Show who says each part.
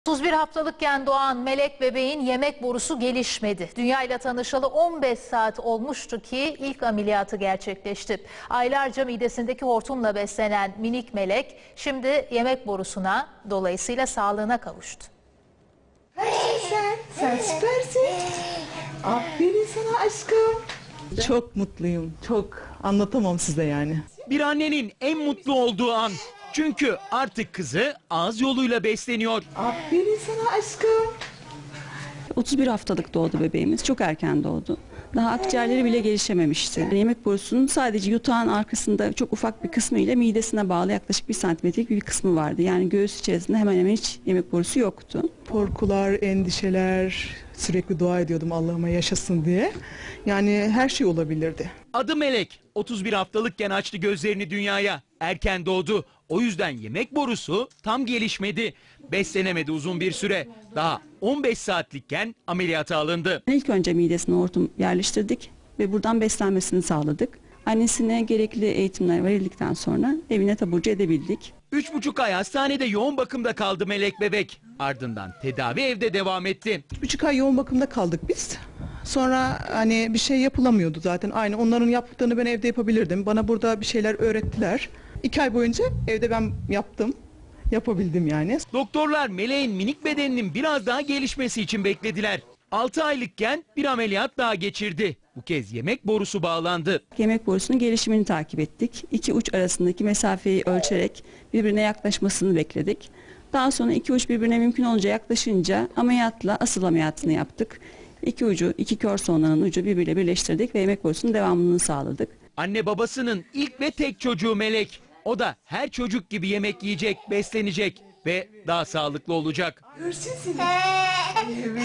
Speaker 1: 31 haftalıkken doğan Melek bebeğin yemek borusu gelişmedi. Dünya ile tanışalı 15 saat olmuştu ki ilk ameliyatı gerçekleşti. Aylarca midesindeki hortumla beslenen minik Melek şimdi yemek borusuna, dolayısıyla sağlığına kavuştu.
Speaker 2: Sen süpersin. Aferin sana aşkım. Çok mutluyum. Çok anlatamam size yani.
Speaker 3: Bir annenin en mutlu olduğu an. Çünkü artık kızı ağız yoluyla besleniyor.
Speaker 2: Aferin sana aşkım.
Speaker 4: 31 haftalık doğdu bebeğimiz. Çok erken doğdu. Daha akciğerleri bile gelişememişti. Yemek borusunun sadece yutağın arkasında çok ufak bir kısmı ile midesine bağlı yaklaşık 1 santimetrelik bir kısmı vardı. Yani göğüs içerisinde hemen hemen hiç yemek borusu yoktu.
Speaker 2: Korkular, endişeler, sürekli dua ediyordum Allah'ıma yaşasın diye. Yani her şey olabilirdi.
Speaker 3: Adı Melek. 31 haftalıkken açtı gözlerini dünyaya. Erken doğdu. O yüzden yemek borusu tam gelişmedi. Beslenemedi uzun bir süre. Daha 15 saatlikken ameliyata alındı.
Speaker 4: İlk önce midesine hortum yerleştirdik ve buradan beslenmesini sağladık. Annesine gerekli eğitimler verildikten sonra evine taburcu edebildik.
Speaker 3: 3,5 ay hastanede yoğun bakımda kaldı Melek bebek. Ardından tedavi evde devam etti.
Speaker 2: 3,5 ay yoğun bakımda kaldık biz. Sonra hani bir şey yapılamıyordu zaten. Aynı onların yaptıklarını ben evde yapabilirdim. Bana burada bir şeyler öğrettiler. 2 ay boyunca evde ben yaptım. Yapabildim yani.
Speaker 3: Doktorlar Melek'in minik bedeninin biraz daha gelişmesi için beklediler. 6 aylıkken bir ameliyat daha geçirdi. Bu kez yemek borusu bağlandı.
Speaker 4: Yemek borusunun gelişimini takip ettik. İki uç arasındaki mesafeyi ölçerek birbirine yaklaşmasını bekledik. Daha sonra iki uç birbirine mümkün olunca yaklaşınca ameliyatla asıl ameliyatını yaptık. İki ucu, iki kör soğanın ucu birbiriyle birleştirdik ve yemek borusunun devamlılığını sağladık.
Speaker 3: Anne babasının ilk ve tek çocuğu Melek. O da her çocuk gibi yemek yiyecek, beslenecek ve daha sağlıklı olacak.
Speaker 2: Görsün seni. Evet.